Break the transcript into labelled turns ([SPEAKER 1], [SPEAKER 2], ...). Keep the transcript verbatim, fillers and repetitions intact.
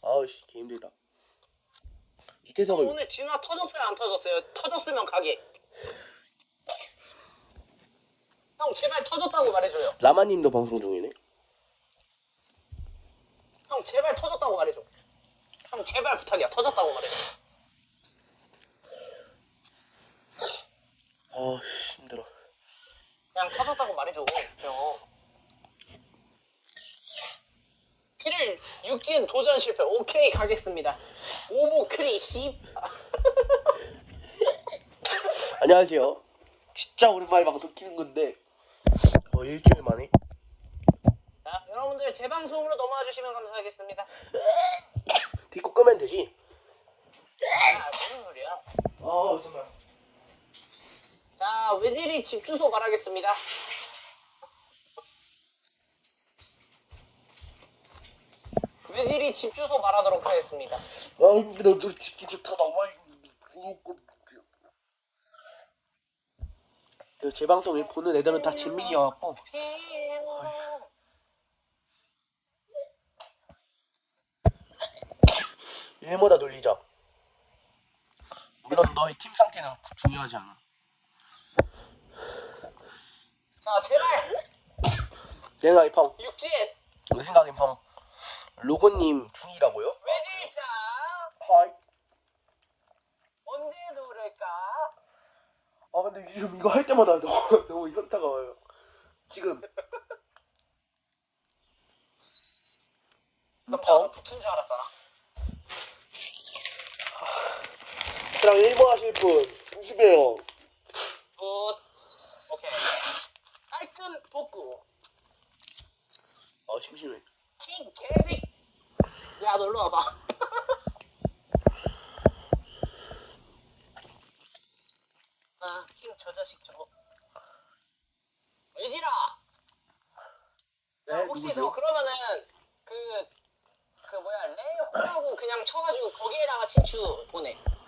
[SPEAKER 1] 아우씨 개 힘들다. 이태석을
[SPEAKER 2] 오늘 진화 터졌어요 안 터졌어요? 터졌으면 가게. 형 제발 터졌다고 말해줘요.
[SPEAKER 1] 라마님도 방송 중이네.
[SPEAKER 2] 형 제발 터졌다고 말해줘. 형 제발 부탁이야. 터졌다고 말해줘.
[SPEAKER 1] 아 힘들어.
[SPEAKER 2] 그냥 터졌다고 말해줘. 형. 크릴 육진 도전 실패. 오케이 가겠습니다. 오보 크리 씨.
[SPEAKER 1] 안녕하세요. 진짜 오랜만에 방송 키는 건데 어 일주일 만에.
[SPEAKER 2] 자 여러분들 제 방송으로 넘어와 주시면 감사하겠습니다.
[SPEAKER 1] 디코 끄면 되지.
[SPEAKER 2] 아 무슨 소리야?
[SPEAKER 1] 아 정말.
[SPEAKER 2] 자 외질이 집 주소 말하겠습니다. 외질이 집 주소 말하도록 하겠습니다.
[SPEAKER 1] 아 힘들어. 저 집도 다 나와 있고. 제 방송을 보는 애들은 다 진민이여갖고 일마다 놀리자. 물론 너의 팀 상태는 중요하지 않아.
[SPEAKER 2] 자 제발
[SPEAKER 1] 내 생각에 펑.
[SPEAKER 2] 육진
[SPEAKER 1] 내 생각엔 펑. 로고님 중이라고요?
[SPEAKER 2] 외질자
[SPEAKER 1] 하이.
[SPEAKER 2] 언제 누를까?
[SPEAKER 1] 아 근데 지금 이거 할 때마다 너무, 너무 현타가 와요. 지금
[SPEAKER 2] 깜짝
[SPEAKER 1] 어?
[SPEAKER 2] 붙은 줄 알았잖아.
[SPEAKER 1] 그냥 일본 하실 분 조심해요.
[SPEAKER 2] 굿 오케이 깔끔 복구
[SPEAKER 1] 아 심심해.
[SPEAKER 2] 킹 개새끼 야 놀러 와봐. 아, 킹 저 자식 저거. 외질아.
[SPEAKER 1] 네,
[SPEAKER 2] 아, 혹시
[SPEAKER 1] 누구세요?
[SPEAKER 2] 너 그러면은 그 그 뭐야 레호라고 그냥 쳐가지고 거기에다가 친추 보내.